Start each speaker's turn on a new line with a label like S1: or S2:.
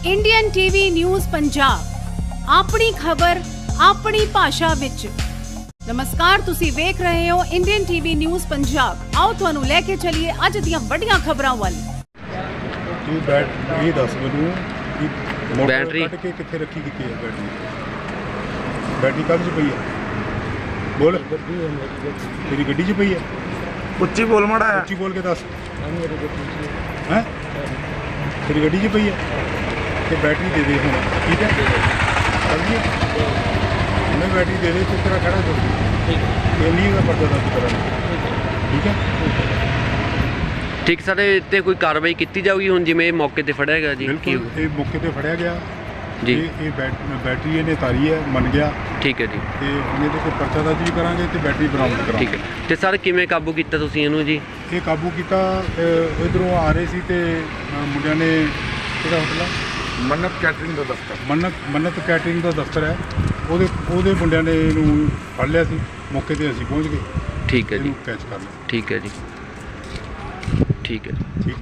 S1: Indian TV news Punjab ਆਪਣੀ ਖਬਰ ਆਪਣੀ ਭਾਸ਼ਾ ਵਿੱਚ। ਨਮਸਕਾਰ, ਤੁਸੀਂ ਵੇਖ ਰਹੇ ਹੋ ਇੰਡੀਅਨ ਟੀਵੀ ਨਿਊਜ਼ ਪੰਜਾਬ। ਆਓ ਤੁਹਾਨੂੰ ਲੈ ਕੇ ਚੱਲੀਏ ਅੱਜ ਦੀਆਂ ਵੱਡੀਆਂ ਖਬਰਾਂ ਵੱਲ।
S2: ਤੂੰ ਇਹ ਦੱਸ ਮੈਨੂੰ ਕਿ
S3: ਬੈਟਰੀ
S2: ਕੱਢ ਕੇ ਕਿੱਥੇ ਰੱਖੀ ਕੀਤੀ ਹੈ ਬੈਟਰੀ ਕਾਹਦੇ 'ਚ ਪਈ ਹੈ? ਬੋਲ, ਤੇਰੀ ਗੱਡੀ 'ਚ ਪਈ ਹੈ?
S4: ਉੱਚੀ ਬੋਲ ਮਾੜਾ ਹੈ,
S2: ਉੱਚੀ ਬੋਲ ਕੇ ਦੱਸ। ਹੈ ਤੇਰੀ ਗੱਡੀ 'ਚ ਪਈ ਹੈ ਤੇ ਬੈਟਰੀ ਦੇ ਦੇ ਹੁਣ, ਠੀਕ ਹੈ? ਸਮਝੀ? ਉਹਨੇ ਬੈਟਰੀ ਦੇ ਦੇ, ਤੂੰ ਤੇਰਾ ਖੜਾ ਕਰ ਇਹ ਨਹੀਂ ਦਾ ਪਰਦਾ ਦਰਜ ਕਰਾਂਗੇ, ਠੀਕ ਹੈ?
S3: ਠੀਕ। ਸਾਡੇ ਤੇ ਕੋਈ ਕਾਰਵਾਈ ਕੀਤੀ ਜਾਊਗੀ ਹੁਣ, ਜਿਵੇਂ ਮੌਕੇ ਤੇ ਫੜਿਆ ਗਿਆ ਜੀ?
S2: ਬਿਲਕੁਲ, ਇਹ ਮੌਕੇ ਤੇ ਫੜਿਆ ਗਿਆ
S3: ਜੀ।
S2: ਇਹ ਬੈਟਰੀ ਇਹਨੇ ਤਾਰੀ ਹੈ, ਮੰਨ ਗਿਆ।
S3: ਠੀਕ ਹੈ ਜੀ।
S2: ਤੇ ਉਹਨੇ ਤੇ ਕੋਈ ਪਰਚਾ ਦਰਜ ਵੀ ਕਰਾਂਗੇ ਤੇ ਬੈਟਰੀ ਬਰਾਮਦ ਕਰਾਂਗੇ।
S3: ਠੀਕ ਹੈ। ਤੇ ਸਰ ਕਿਵੇਂ ਕਾਬੂ ਕੀਤਾ ਤੁਸੀਂ ਇਹਨੂੰ ਜੀ?
S2: ਇਹ ਕਾਬੂ ਕੀਤਾ, ਇਧਰੋਂ ਆ ਰਹੇ ਸੀ ਤੇ ਮੁੰਡਿਆਂ ਨੇ, ਕਿਹੜਾ ਹੋਟਲ ਆ?
S4: ਮੰਨਤ ਕੈਟਰਿੰਗ ਦਾ ਦਫ਼ਤਰ।
S2: ਮੰਨਤ ਕੈਟਰਿੰਗ ਦਾ ਦਫ਼ਤਰ ਹੈ, ਉਹਦੇ ਮੁੰਡਿਆਂ ਨੇ ਇਹਨੂੰ ਫੜ ਲਿਆ ਸੀ। ਮੌਕੇ ਤੇ ਅਸੀਂ ਪਹੁੰਚ ਗਏ,
S3: ਠੀਕ ਹੈ ਜੀ।
S2: ਇਹਨੂੰ ਕੈਚ ਕਰ ਲਿਆ।
S3: ਠੀਕ ਹੈ ਜੀ। ਠੀਕ ਹੈ।
S2: ਠੀਕ।